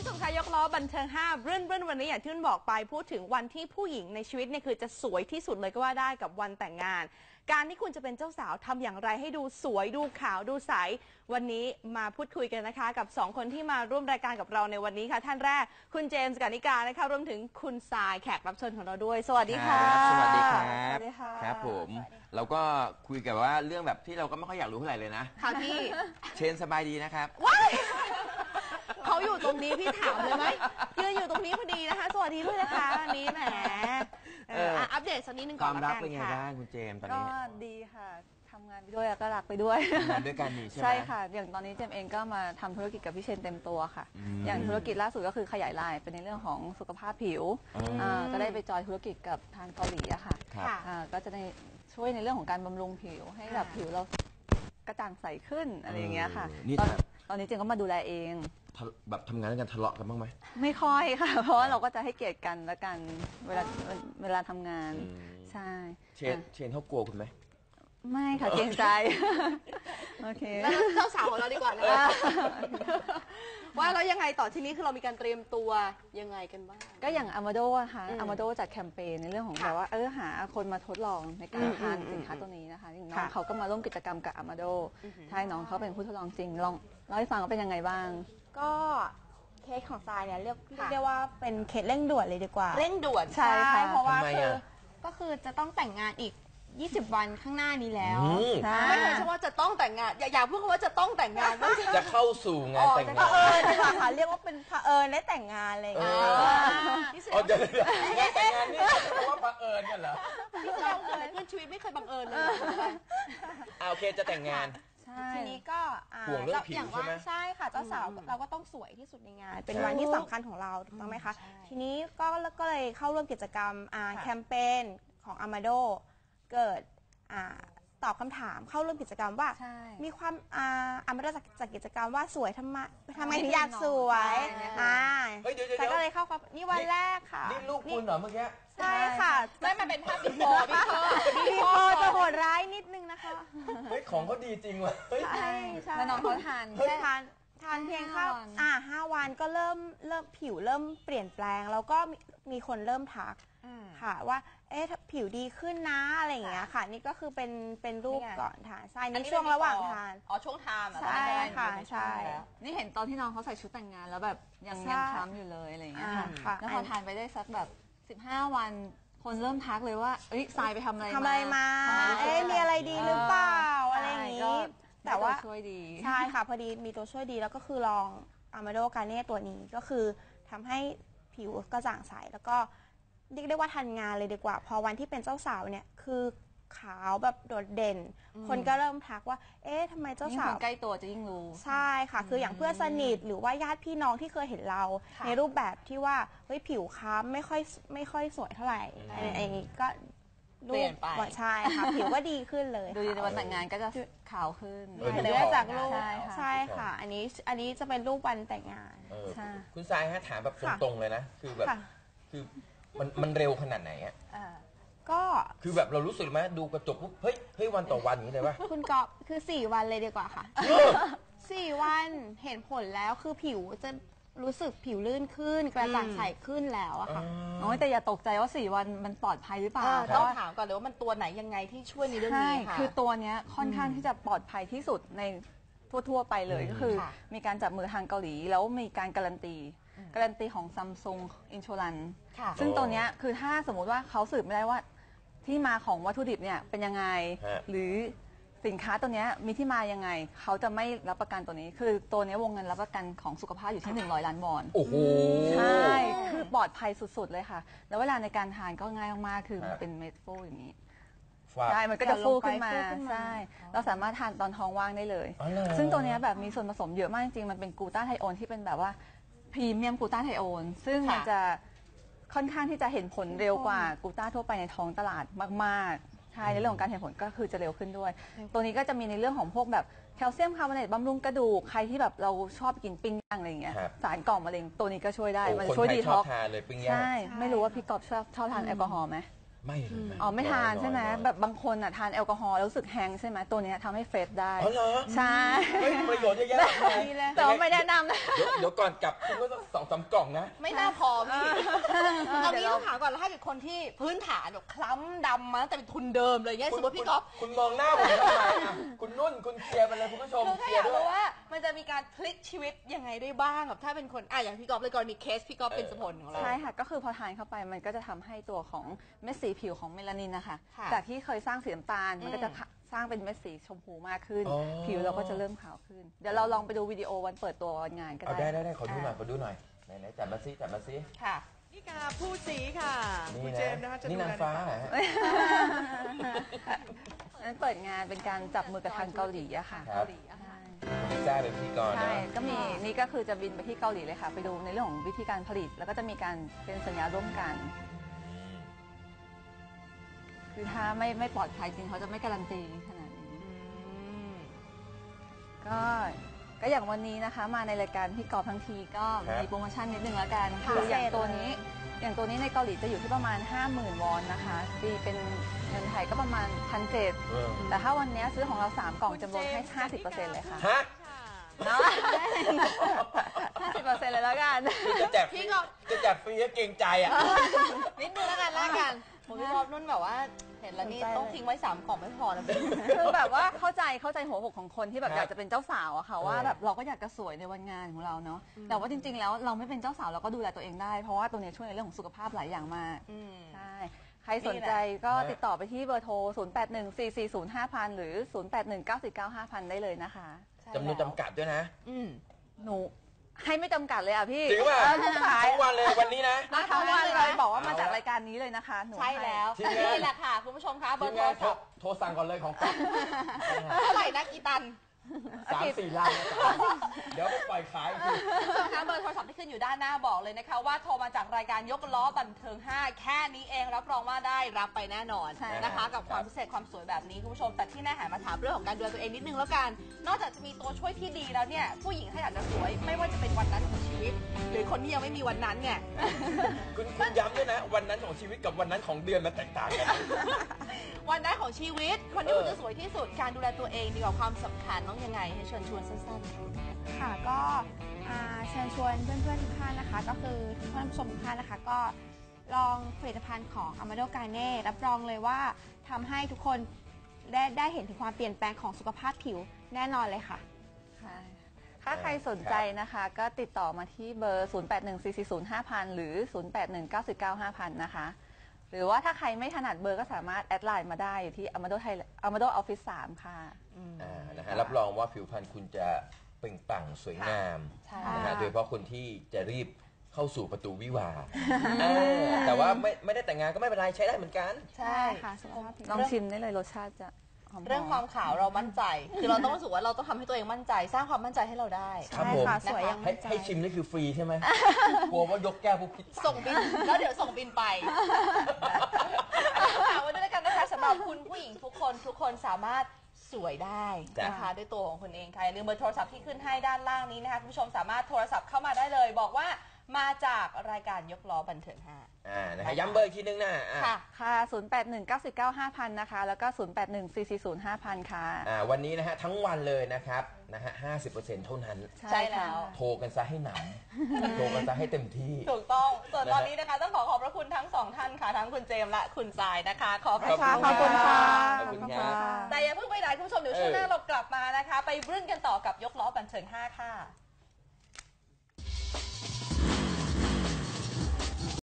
ชมคะยกล้อบันเทิง5เรื่องวันนี้อย่างที่นุ่นบอกไปพูดถึงวันที่ผู้หญิงในชีวิตเนี่ยคือจะสวยที่สุดเลยก็ว่าได้กับวันแต่งงานการที่คุณจะเป็นเจ้าสาวทำอย่างไรให้ดูสวยดูขาวดูใสวันนี้มาพูดคุยกันนะคะกับ2คนที่มาร่วมรายการกับเราในวันนี้ค่ะท่านแรกคุณเจมส์กานิกานะคะรวมถึงคุณทรายแขกรับเชิญของเราด้วยสวัสดีค่ะสวัสดีครับครับผมเราก็คุยกันว่าเรื่องแบบที่เราก็ไม่ค่อยอยากรู้เท่าไหร่เลยนะค่ะพี่เชนสบายดีนะครับเขาอยู่ตรงนี้พี่ถามเลยไหมยืนอยู่ตรงนี้พอดีนะคะสวัสดีด้วยนะคะวันนี้แหมอัปเดตสักนิดนึงก่อนละกันค่ะความรักเป็นไงบ้างคุณเจมส์ตอนนี้ก็ดีค่ะทำงานไปด้วยแล้วก็รักไปด้วยงานด้วยกันนี่ใช่ไหมใช่ค่ะอย่างตอนนี้เจมเองก็มาทำธุรกิจกับพี่เชนเต็มตัวค่ะอย่างธุรกิจล่าสุดก็คือขยายไลน์เป็นในเรื่องของสุขภาพผิวก็ได้ไปจอยธุรกิจกับทางเกาหลีอะค่ะก็จะได้ช่วยในเรื่องของการบำรุงผิวให้แบบผิวเรากระจ่างใสขึ้นอะไรอย่างเงี้ยค่ะตอนนี้เจมก็มาดูแลเองแบบทำงานด้วยกันทะเลาะกันบ้างไหมไม่ค่อยค่ะเพราะว่าเราก็จะให้เกียรติกันและกันเวลาทำงานใช่เชนเขากลัวคุณไหมไม่ค่ะเกรงใจโอเคแล้วเจ้าสาวของเราดีกว่านะว่าเรายังไงต่อทีนี้คือเรามีการเตรียมตัวยังไงกันบ้างก็อย่างอามาโดค่ะอามาโดจัดแคมเปญในเรื่องของแบบว่าหาคนมาทดลองในการทานสินค้าตัวนี้นะคะน้องเขาก็มาร่วมกิจกรรมกับอามาโดใช่น้องเขาเป็นผู้ทดลองจริงลองเล่าให้ฟังว่าเป็นยังไงบ้างก็เคสของทรายเนี่ยเรียกได้ว่าเป็นเคสเร่งด่วนเลยดีกว่าเร่งด่วนใช่เพราะว่าก็คือจะต้องแต่งงานอีก20 วันข้างหน้านี้แล้วไม่ใช่เฉพาะจะต้องแต่งงานอย่าพูดคำว่าจะต้องแต่งงานจะเข้าสู่งานแต่งงานดีกว่าค่ะเรียกว่าเป็นเผอิญได้แต่งงานอะไรอย่างเงี้ยเดี๋ยวงานแต่งงานนี่เพราะว่าเผอิญกันเหรอที่เราเกิดชีวิตไม่เคยบังเอิญเลยโอเคจะแต่งงานทีนี้ก็ห่วงเรื่องผิวใช่ไหมใช่ค่ะเจ้าสาวเราก็ต้องสวยที่สุดในงานเป็นวันที่สำคัญของเราถูกต้องไหมคะทีนี้ก็เลยเข้าร่วมกิจกรรมแคมเปญของอามาโดเกิดตอบคำถามเข้าร่วมกิจกรรมว่ามีความอามาโดจากกิจกรรมว่าสวยทำไมถึงอยากสวยแต่ก็เลยเข้าความนี่วันแรกค่ะนี่ลูกคุณเหรอเมื่อกี้ใช่ค่ะไม่มาเป็นภาพบิ๊กโฟร์บิ๊กโฟร์จะโหดร้ายนิดนึงนะคะเฮ้ยของเขาดีจริงว่ะใช่แล้วน้องเขาทานเพียงแค่5 วันก็เริ่มผิวเริ่มเปลี่ยนแปลงแล้วก็มีคนเริ่มทักค่ะว่าผิวดีขึ้นนะอะไรอย่างเงี้ยค่ะนี่ก็คือเป็นรูปก่อนทานใช่นี่ช่วงระหว่างทานช่วงทานใช่ค่ะใช่นี่เห็นตอนที่น้องเขาใส่ชุดแต่งงานแล้วแบบยังคล้ำอยู่เลยอะไรอย่างเงี้ยค่ะแล้วพอทานไปได้สักแบบ15 วันคนเริ่มทักเลยว่าทรายไปทำอะไรมามีอะไรดีหรือเปล่าอะไรอย่างงี้แต่ว่าช่วยดีใช่ค่ะพอดีมีตัวช่วยดีแล้วก็คือลองอามาโดกาเน่ตัวนี้ก็คือทำให้ผิวกระจ่างใสแล้วก็เรียกได้ว่าทันงานเลยดีกว่าพอวันที่เป็นเจ้าสาวเนี่ยคือขาวแบบโดดเด่นคนก็เริ่มทักว่าทำไมเจ้าสาวใกล้ตัวจะยิ่งรู้ใช่ค่ะคืออย่างเพื่อนสนิทหรือว่าญาติพี่น้องที่เคยเห็นเราในรูปแบบที่ว่าผิวค้ำไม่ค่อยสวยเท่าไหร่ไอ้ก็เปลี่ยนไปใช่ค่ะผิวก็ดีขึ้นเลยดูในวันแต่งงานก็จะขาวขึ้นเดี๋ยวจากรูปใช่ค่ะอันนี้จะเป็นรูปวันแต่งงานคุณทรายฮะถามแบบตรงๆเลยนะคือแบบคือมันเร็วขนาดไหนอ่ะก็คือแบบเรารู้สึกไหมดูกระจกปุ๊บเฮ้ยวันต่อวันอย่างนี้เลยป่ะคุณก๊อฟคือ4 วันเลยดีกว่าค่ะ4 วันเห็นผลแล้วคือผิวจะรู้สึกผิวลื่นขึ้นกระจ่างใสขึ้นแล้วอะค่ะแต่อย่าตกใจว่า4 วันมันปลอดภัยหรือเปล่าต้องถามก่อนเลยว่ามันตัวไหนยังไงที่ช่วยในเรื่องนี้ค่ะคือตัวเนี้ยค่อนข้างที่จะปลอดภัยที่สุดในทั่วๆไปเลยก็คือมีการจับมือทางเกาหลีแล้วมีการการันตีของ Samsung Insurance ซึ่งตัวเนี้ยคือถ้าสมมุติว่าเขาสืบไม่ได้ว่าที่มาของวัตถุดิบเนี่ยเป็นยังไงหรือสินค้าตัวนี้มีที่มายังไงเขาจะไม่รับประกันตัวนี้คือตัวนี้วงเงินรับประกันของสุขภาพอยู่ที่100 ล้านวอนโอ้โหใช่คือปลอดภัยสุดๆเลยค่ะแล้วเวลาในการทานก็ง่ายมากๆคือมันเป็นเม็ดฟูอย่างนี้ใช่มันก็จะฟูขึ้นมาใช่เราสามารถทานตอนท้องว่างได้เลยซึ่งตัวนี้แบบมีส่วนผสมเยอะมากจริงๆมันเป็นกลูตาไทโอนที่เป็นแบบว่าพรีเมียมกลูตาไทโอนซึ่งมันจะค่อนข้างที่จะเห็นผลเร็วกว่ากลูต้าทั่วไปในท้องตลาดมากๆใช่ในเรื่องของการเห็นผลก็คือจะเร็วขึ้นด้วยตัวนี้ก็จะมีในเรื่องของพวกแบบแคลเซียมคาร์บอเนตบำรุงกระดูกใครที่แบบเราชอบกินปิ้งย่างอะไรอย่างเงี้ยสารก่อมะเร็งตัวนี้ก็ช่วยได้มันช่วยดีท็อกซ์ใช่ไม่รู้ว่าพี่กอบชอบทานแอลกอฮอล์ไหมไม่เลยนะอ๋อไม่ทานอยๆใช่ไหมน้อยๆแบบบางคนอ่ะทานแอลกอฮอล์แล้วรู้สึกแฮงก์ใช่ไหมตัวเนี้ยทำให้เฟรชได้อ๋อเหรอใช่เฮ้ยประโยชน์เยอะแยะมากมายแต่ว่าไม่แนะนำนะเดี๋ยวก่อนกลับคุณก็ต้อง2-3 กล่องนะไม่น่าพอพี่เอาเดี๋งี้ยวเราต้องถามก่อนแล้วถ้าเกิดคนที่พื้นฐานแบบคล้ำดำมาตั้งแต่เป็นทุนเดิมเลยเนี่ยสมมติพี่ก๊อฟคุณมองหน้าผมทำไมอ่ะคุณนุ่นคุณเคลียร์ไปเลยคุณผู้ชมคือเคถ้าลีอย ยากร์ด้วรู้ยว่ามันจะมีการพลิกชีวิตยังไงได้บ้างแบบถ้าเป็นคนอย่างพี่ก๊อฟเลยกรณีเคสพี่ก๊อฟเป็นสผลของเราใช่ค่ะ ก็คือพอทานเข้าไปมันก็จะทำให้ตัวของเม็ดสีผิวของเมลานินนะคะค่ะจากที่เคยสร้างสีน้ำตาล มันก็จะสร้างเป็นเม็ดสีชมพูมากขึ้นอ๋อผิวเราก็จะเริ่มขาวขึ้น เดี๋ยวเราลองไปดูวิดีโอวันเปิดตัววันงานก็เอาได้ได้ขอดูหน่อยไหนจัดมาซิค่ะนี่ค่ะผู้สีค่ะนี่คุณนะเจมส์นะคะจะนี่ดูนางแลฟ้าในเหรอฮะนั้นเปิดงานเป็นการจับมือกับทางเกาหลีอะค่ะครับใช่ลิซ่าเป็นพิธีกรใช่นะก็มีนี่ก็คือจะบินไปที่เกาหลีเลยค่ะ ไปดูในเรื่องของวิธีการผลิต แล้วก็จะมีการเป็นสัญญาร่วมกัน คือถ้าไม่ปลอดภัยจริงเขาจะไม่การันตีขนาดนี้ ก็อย่างวันนี้นะคะ มาในรายการพี่กอล์ฟทั้งทีก็มีโปรโมชั่นนิดนึงแล้วกันคืออย่างตัวนี้ในเกาหลีจะอยู่ที่ประมาณ 50,000 วอนนะคะตีเป็นเงินไทยก็ประมาณ 1,700 แต่ถ้าวันนี้ซื้อของเรา 3 กล่องจะลดให้ 50% เลยค่ะฮะเนาะ 50% เลยแล้วกันจะแจกฟรีจะแจกฟรีก็เกรงใจอ่ะนิดนึงแล้วกันผมพี่ก๊อฟนุ่นแบบว่าเห็นแล้วนี่ต้องทิ้งไว้3 กล่องไม่พอนะพี่คือแบบว่าเข้าใจหัวอกของคนที่แบบครับอยากจะเป็นเจ้าสาวอะค่ะว่าเออแบบเราก็อยากจะสวยในวันงานของเราเนาะแต่ว่าจริง ๆ แล้วเราไม่เป็นเจ้าสาวเราก็ดูแลตัวเองได้เพราะว่าตัวเนี้ยช่วยในเรื่องของสุขภาพหลายอย่างมากใช่ใครสนใจก็ติดต่อไปที่เบอร์โทร 0814405000 หรือ 0819495000 ได้เลยนะคะจำนวนจำกัดด้วยนะหนูให้ไม่จำกัดเลยอ่ะพี่จริงป่ะทุกขายทั้งวันเลยวันนี้นะทั้งวันเลยบอกว่ามาจากเอาละรายการนี้เลยนะคะหนูใช่แล้วทีมงานนี่แหละค่ะ คุณผู้ชมคะเบอทีร์มโทงาร นศัพท์โทรสั่งก่อนเลยของก๊อฟเท่าไหร่นะกี่ตัน 3-4 ล้านเดี๋ยวไปปล่อยขายอีกทีนะคะเบอร์โทรศัพท์ที่ขึ้นอยู่ด้านหน้าบอกเลยนะคะว่าโทรมาจากรายการยกล้อบันเทิง 5 แค่นี้เองรับรองว่าได้รับไปแน่นอนใช่นะคะ กับความพิเศษความสวยแบบนี้คุณผู้ชมแต่ที่แน่หันมาถามเรื่องของการดูแลตัวเองนิดนึงแล้วกัน นอกจากจะมีตัวช่วยที่ดีแล้วเนี่ยผู้หญิงถ้าอยากจะสวยไม่ว่าจะเป็นวันนั้นของชีวิต หรือคนที่ยังไม่มีวันนั้นเนี่ยคุณย้ำด้วยนะ วันนั้นของชีวิตกับวันนั้นของเดือนมันแตกต่างกันวันนั้นของชีวิตคนที่คุณจะสวยที่สุดการดูแลตัวเองดีกว่าความสำคัญต้องยังไงให้เชิญชวนสั้นๆค่ะก็เชิญชวนเพื่อนๆทุกท่านนะคะ ก็คือท่านผู้ชมทุกท่านนะคะ ก็ลองผลิตภัณฑ์ของ Amado Garne รับรองเลยว่าทำให้ทุกคนได้เห็นถึงความเปลี่ยนแปลงของสุขภาพผิวแน่นอนเลยค่ะค่ะถ้าใครสนใจนะคะ ก็ติดต่อมาที่เบอร์ 0814405000 หรือ 0819495000 นะคะ หรือว่าถ้าใครไม่ถนัดเบอร์ก็สามารถแอดไลน์มาได้อยู่ที่ Amado Office 3 ค่ะนะฮะรับรองว่าผิวพรรณคุณจะเปล่งปลั่งสวยงามใช่นะฮะโดยเฉพาะคนที่จะรีบเข้าสู่ประตูวิวาห์แต่ว่าไม่ได้แต่งงานก็ไม่เป็นไรใช้ได้เหมือนกันใช่ค่ะสุขภาพผิวลองชิมได้เลยรสชาติจะหอมๆเรื่องความขาวเรามั่นใจ คือเราต้องรู้สึกว่าเราต้องทำให้ตัวเองมั่นใจ สร้างความมั่นใจให้เราได้ครับใช่ผมค่ะสวยยังให้มั่นใจให้ชิมนี่คือฟรีใช่ไหม กลัวว่ายกแก้วพวกคิดส่งบินแล้วเดี๋ยวส่งบินไปฝากไว้ด้วยกันนะคะสำหรับคุณผู้หญิงทุกคนสามารถสวยได้นะคะด้วยตัวของคุณเองค่ะอย่าลืมเบอร์โทรศัพท์ที่ขึ้นให้ด้านล่างนี้นะคะคุณผู้ชมสามารถโทรศัพท์เข้ามาได้เลย บอกว่ามาจากรายการยกล้อบันเทิง5 นะฮะย้ำเบอร์อีกทีนึงนะค่ะค่ะ 0819495000 นะคะ แล้วก็ 0814405000 ค่ะวันนี้นะฮะทั้งวันเลยนะครับนะฮะ 50% เท่านั้นใช่แล้วโทรกันซะให้หนำ โทรกันซะให้เต็มที่ถูกต้อง ส่วนตอนนี้นะคะต้องขอพระคุณทั้งสองท่านค่ะ ทั้งคุณเจมส์และคุณทรายนะคะ ขอบคุณขอบคุณค่ะขอบคุณค่ะแต่อย่าเพิ่งไปไหนคุณผู้ชมเดี๋ยวช่วงหน้าเรากลับมานะคะ ไปรื่นกันต่อกับยกล้อบันเทิง5 ค่ะ